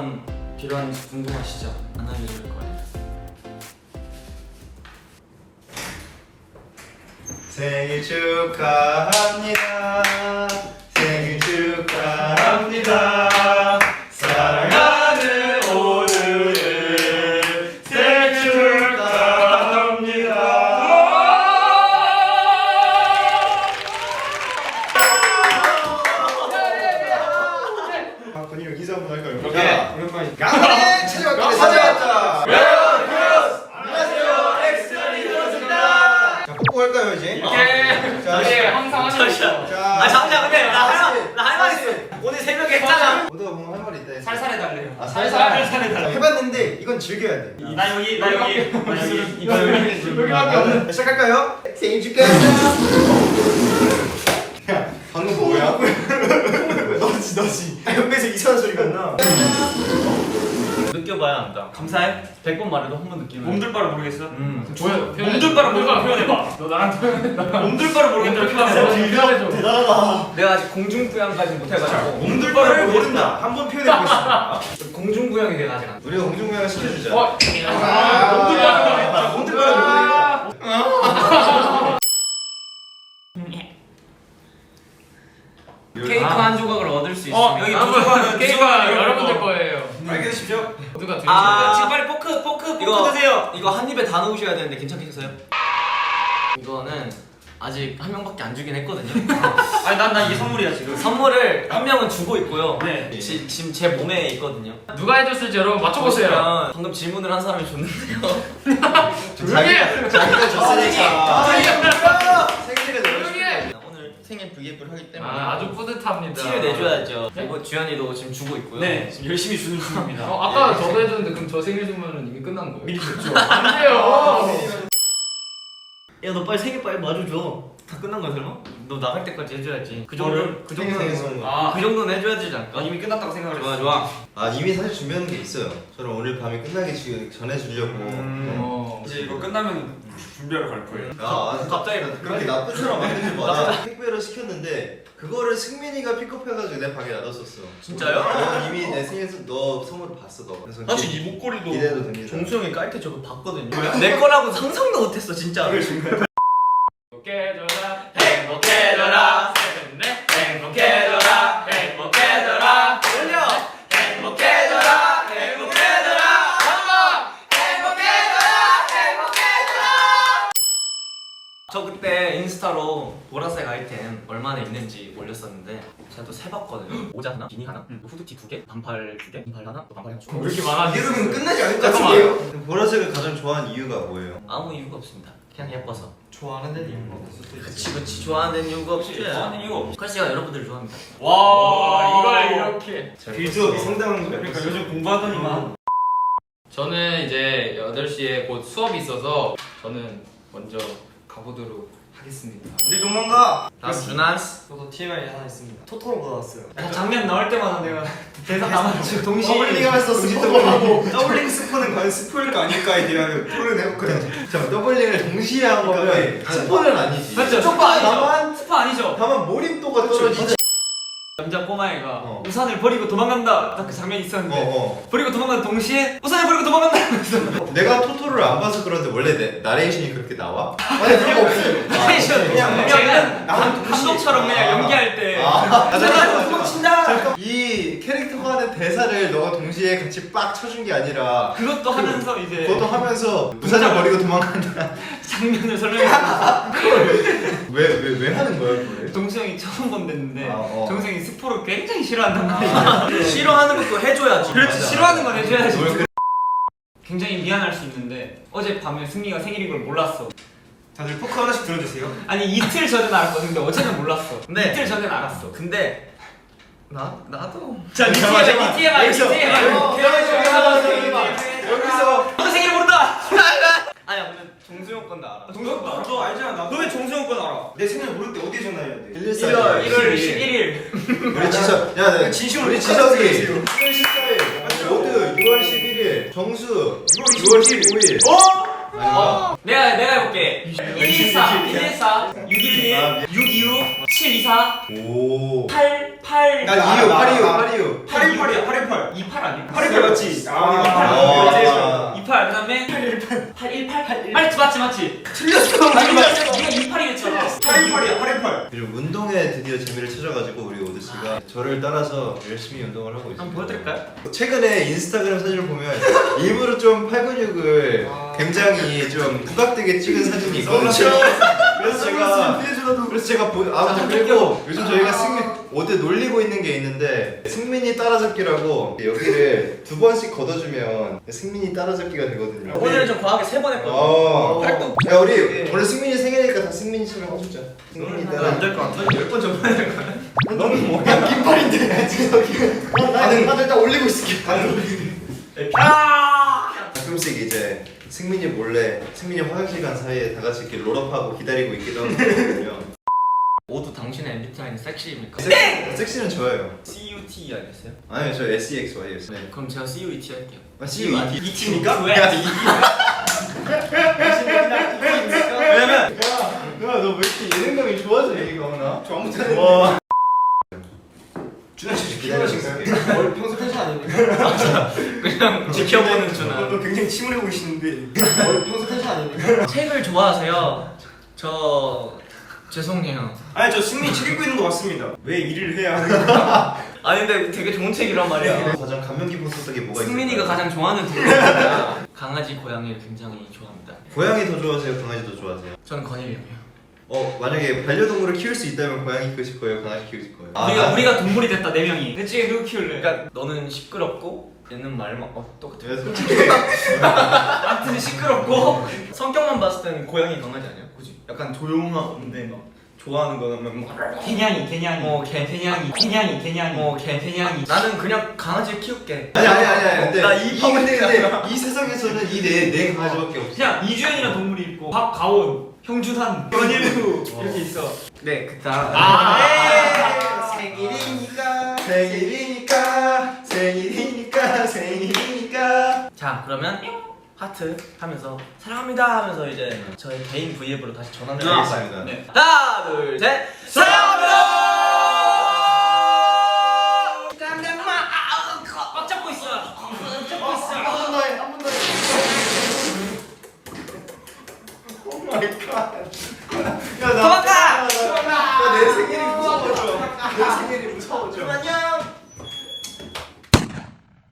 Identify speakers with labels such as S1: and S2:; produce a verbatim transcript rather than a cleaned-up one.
S1: 어떤 필요한지 궁금하시죠? 안 알려줄 거예요.
S2: 생일 축하합니다. 생일 축하합니다. 사랑하는 오늘을 생일 축하합니다. 아, 건이랑 인사 한번 할까요?
S3: 오케이.
S2: 오랜만에 강원에 찾아왔다. 찾아왔다. 뽀뽀 할까요 이제?
S3: 오케이.
S2: 자,
S3: 네, 항상 하는 거.
S2: 자,
S1: 아 잠시만 근데 나 할 나 할 말 있어. 오늘 새벽에 했잖아.
S2: 모두가 뭔가 할 말이 있다. 했어.
S3: 살살 해달래요.
S2: 아,
S3: 살살
S2: 살살.
S3: 살살 해달래.
S2: 해봤는데 이건 즐겨야 돼.
S1: 나 여기 나 여기 나 여기
S3: 이거 여기
S2: 자, 시작할까요? 생일 축하합니다. 야, 방금 뭐야? 너지 너지. 옆에서 이상한 소리가 나.
S1: 느껴봐야 안다. 감사해. 백 번 말해도 한 번 느끼면.
S3: 몸둘바를 모르겠어?
S1: 음.
S3: 뭐야? 몸둘바를 표현해봐.
S1: 너 나랑 표현했다.
S3: 몸둘바를 모르겠다. 표현해봐.
S2: 대단하다.
S1: 내가 아직 공중부양까지 못해가지고.
S3: 몸둘바를
S2: 모른다. 한 번 표현해보겠습니다.
S1: 공중부양이 내가 아직 안 돼.
S2: 우리가 공중부양을 시켜주자.
S3: 어?
S2: 아,
S3: 몸둘바를
S2: 몸둘바를 모르니까.
S1: 케이크 한 조각을 얻을 수 있으면.
S3: 어, 여기 무조건 게임가 여러분들 거예요.
S2: 알게 되십시오.
S3: 모두가 드시면
S1: 아,
S3: 지금 빨리 포크, 포크, 포크
S1: 이거
S3: 드세요.
S1: 이거 한 입에 다 넣으셔야 되는데 괜찮겠어요? 이거는 아직 한 명밖에 안 주긴 했거든요.
S3: 아니 난 난 이게 선물이야 지금.
S1: 선물을 한 명은 주고 있고요.
S3: 네.
S1: 지, 지금 제 몸에 있거든요.
S3: 누가 해줬을지 여러분 맞춰보세요.
S1: 보시면 방금 질문을 한 사람이 줬는데요.
S2: 자기가 자기가 줬으니까. 생일에
S3: 조용히 해.
S1: 오늘 생일 브이앱을 하기 때문에
S3: 아, 아주 뿌듯합니다.
S1: 티를 내줘야죠. 그리고 주현이도 지금 주고 있고요.
S3: 네.
S1: 지금 열심히 주는 중입니다.
S3: 어, 아까 저도 해줬는데 그럼 저 생일 주문은 이미 끝난 거예요? 미리 줬죠. 안 돼요.
S1: 야 너 빨리 생일 빨리 마주줘. 다 끝난 거야 설마? 너 나갈 때까지 해줘야지. 그 정도
S2: 뭐를?
S1: 그
S2: 생일
S1: 정도는
S2: 선물.
S1: 아, 그 정도는 해줘야 되지 않을까?
S3: 이미 끝났다고 생각을
S1: 좋아
S3: 했어.
S1: 좋아.
S2: 아 이미 사실 준비하는 게 있어요. 저는 오늘 밤에 끝나기 지- 전에 주려고.
S3: 어.
S4: 이제 이거 끝나면 준비하러 갈 거예요.
S2: 아
S1: 갑자기
S2: 그렇게 나쁜처럼 만들지 마. 택배로 시켰는데 그거를 승민이가 픽업해가지고 내 방에 놔뒀었어.
S1: 진짜요?
S2: 너 이미 내 생일에서 너 선물을 봤어 너. 그래서
S4: 사실 이 목걸이도
S2: 기대도 됩니다.
S1: 종수 형이 깔 때 저거 봤거든요. 내 거라고 상상도 못했어 진짜.
S3: 행복해져라 행복해져라 셋넷 행복해져라 행복해져라
S1: 올려.
S3: 행복해져라 행복해져라 한번 행복해져라 행복해져라.
S1: 저 그때 인스타로 보라색 아이템 얼마나 있는지 올렸었는데 제가 또 세봤거든요. 모자 하나, 비니 하나, 후드티 두 개, 반팔 두 개, 반팔 하나, 또 반팔 하나.
S3: 왜 이렇게 많아?
S2: 이러면 끝나지 않을 것
S3: 잠깐만.
S2: 같은데요? 보라색을 가장 좋아하는 이유가 뭐예요?
S1: 아무 이유가 없습니다. 그냥 예뻐서.
S4: 좋아하는 이유가 없을 수도
S1: 그치 그치 좋아하는 이유가 없지.
S4: 좋아하는 이유가 없어.
S1: 컬씨가 여러분들 좋아합니다.
S3: 와 이걸 이렇게.
S2: 빌드업이 상당한 거예요.
S4: 그러니까 요즘 공부하더니만
S3: 저는 이제 여덟 시에 곧 수업이 있어서 저는 먼저 가보도록 하겠습니다.
S4: 우리 도망가.
S1: 다음 준한스.
S4: 저도 티엠아이 하나 있습니다. 토토로 받아왔어요.
S1: 장면 나올 때마다 내가 대사 남았지. 동시에
S2: 더블링 하면서 스포하고
S4: 더블링 스포는 과연 스포일까 아닐까에 대한
S2: 토론을 해볼까요? 자 더블링을 동시에 한 거면 스포는 아니지.
S3: 맞죠?
S1: 스포 아니죠?
S2: 다만
S1: 스포 아니죠?
S2: 다만 몰입도가 떨어지지.
S1: 남자 꼬마애가
S2: 어.
S1: 우산을 버리고 도망간다. 딱 그 장면이 있었는데
S2: 어, 어.
S1: 버리고 도망가는 동시에 우산을 버리고 도망간다. 하면서
S2: 내가 토토를 안 봐서 그런데 원래 내, 나레이션이 그렇게 나와? 아니 그런 거 없어요.
S1: 텐션
S2: 그냥
S1: 그냥
S2: 나는
S1: 감- 감독처럼 그냥 연기할 때
S2: 아, 아,
S1: 우산을 버리고 친다.
S2: 잠깐 이 캐릭터가 하는 대사를 너가 동시에 같이 빡 쳐준 게 아니라
S1: 그것도 하면서 이제
S2: 그것도 하면서 우산을 버리고 도망간다.
S1: 장면을 설명했어.
S2: 왜 왜 왜 하는 거야 그걸?
S1: 동수 형이 처음 본댔는데
S2: 아, 어.
S1: 정수 형이 스포를 굉장히 싫어한단 말이야. 싫어하는 것도 해줘야지. 그렇지
S2: 맞아.
S1: 싫어하는 건 해줘야지.
S2: 뭘 그-
S1: 굉장히 미안할 수 있는데 어젯밤에 승리가 생일인 걸 몰랐어.
S4: 다들 포크 하나씩 들어주세요.
S1: 아니 이틀 전엔 알았거든. 근데 어제는 몰랐어.
S2: 네.
S1: 이틀 전엔 알았어. 근데 나 나도.
S3: 자
S2: 잠깐만,
S3: 니티엠아이
S2: 잠깐만.
S3: 니티엠아이
S2: 여기서.
S3: 니티엠아이.
S2: 어, 여기서
S1: 너 생일 모른다. 아니야 근데 정수 형 건데 알아.
S4: 동수 너, 너 알잖아. 나. 너 왜 정수영 건 알아? 내 생일 모를 때 어디에 전화해야 돼?
S2: 일일사
S1: 일월 일월
S2: 십일.
S1: 십일일.
S2: 우리 지석 야 네.
S4: 진심으로
S2: 우리
S4: 똑같이
S2: 지석이
S4: 얘기해요.
S2: 일월 십사일 모두 유월 십일일 정수 유월 십오일
S1: 어?
S2: 아닌가?
S1: 내가 내가 해볼게. 일일사 일일사 육일일
S2: 아,
S1: 육이육 칠 이사
S2: 오.
S1: 팔 팔
S4: 나
S2: 팔이오
S4: 나,
S2: 팔이오
S4: 나.
S2: 팔이오.
S4: 팔일팔이야 팔일팔.
S1: 이팔 아니야?
S4: 팔일팔 맞지?
S2: 아.
S4: 아.
S1: 이팔 그다음에 팔일팔 팔일팔 맞지 맞지 맞지.
S4: 틀렸어.
S1: 아니 맞지. 네가 이팔이랬잖아.
S4: 팔일팔이야 팔일팔.
S2: 그리고 운동에 드디어 재미를 찾아가지고 우리 오드 씨가 저를 따라서 열심히 운동을 하고 있습니다.
S1: 한번 보여드릴까요?
S2: 최근에 인스타그램 사진을 보면 일부러 좀 팔 근육을 굉장히 좀 부각되게 찍은 사진이 있거든요. 그래서 제가 그래서 제가 보, 아 그리고 요즘 저희가 승민 어디 놀리고 있는 게 있는데 승민이 따라잡기라고 여기를 두 번씩 걷어주면 승민이 따라잡기가 되거든요.
S1: 오늘은 좀 과하게 세 번 했거든.
S2: 어.
S1: 활동.
S2: 야 우리 원래 승민이 생일이니까 다 승민이처럼 해주자. 승민이 따라.
S1: 안될 것 같아. 열 번 전만 해야 거야.
S2: 너는 뭐야? 긴팔인데 저기. 나는 나도 일단 올리고 있을게.
S1: 아!
S2: 가끔씩 이제 승민이 몰래 승민이 화장실 간 사이에 다 같이 이렇게 롤업하고 기다리고 있기도 하거든요.
S1: 모두 당신의 엠비티아이는 섹시입니까?
S2: 섹, 섹시는 좋아요.
S1: 씨 유 티 아니었어요?
S2: 아니요 저 에스 이 엑스 와이요. 네.
S1: 그럼 제가 씨 유 이 티 할게요.
S2: 아, 씨 유 이 티.
S1: 이 티입니까?
S4: 왜?
S2: 왜냐면 야너왜 이렇게 예능감이 좋아져 얘기가 오나?
S4: 저 아무튼
S2: 와.
S4: 준하 씨
S2: 기다리시나요?
S4: 원래 평소 텐션 아닙니까?
S1: 그냥 지켜보는 준아.
S4: 너 굉장히 침울해 보이시는데 원래 평소 텐션 아닙니까?
S1: 책을 좋아하세요? 저 죄송해요.
S4: 아니 저 승민이 책 읽고 있는 거 맞습니다. 왜 일을 해야 하는가?
S1: 아니 근데 되게 좋은 책이란 말이야.
S2: 가장 감명 깊은 소설이 뭐가 있어요?
S1: 승민이가 가장 좋아하는 동물입니다. 강아지, 고양이를 굉장히 좋아합니다.
S2: 고양이 더 좋아하세요? 강아지 더 좋아하세요?
S1: 저는 건일이요.
S2: 어 만약에 반려동물을 키울 수 있다면 고양이 키우실 거예요? 강아지 키우실 거예요?
S1: 우리가
S2: 아,
S1: 우리가 동물이 됐다 네 명이. 내 집에 누구 키울래? 그러니까 너는 시끄럽고 얘는 말만 어 똑같아.
S2: 내가 솔직히
S1: 아무튼 시끄럽고 성격만 봤을 때는 고양이 강아지 아니야? 그지? 약간 조용하건데 막 좋아하는 거는 막
S5: 개냥이 개냥이
S1: 어, 개,
S5: 개냥이 개냥이 개냥이
S1: 어, 개, 개냥이. 나는 그냥 강아지 키울게.
S2: 아니 아니 아니 아니 근데
S1: 나
S2: 이
S1: 이
S2: 근데, 근데 이 세상에서는 이네네 강아지밖에 없어.
S5: 그냥 이주연이라는 동물이 있고 박가온 형준한 연일구 이렇게 있어.
S1: 네, 그다.
S5: 아,
S2: 생일이니까 생일이니까 생일이니까 생일이니까.
S1: 자, 그러면 하트 하면서 사랑합니다 하면서 이제 저의 개인 브이앱으로 다시 전환을
S2: 알겠습니다.
S1: 해볼까요? 네. 하나, 둘, 셋. 사랑합니다. 깜짝마. 아, 꽉 잡고 있어요. 꽉 잡고 있어요.
S2: 한번 더 해, 한 번 더 해. 오 마이 갓. 야, 나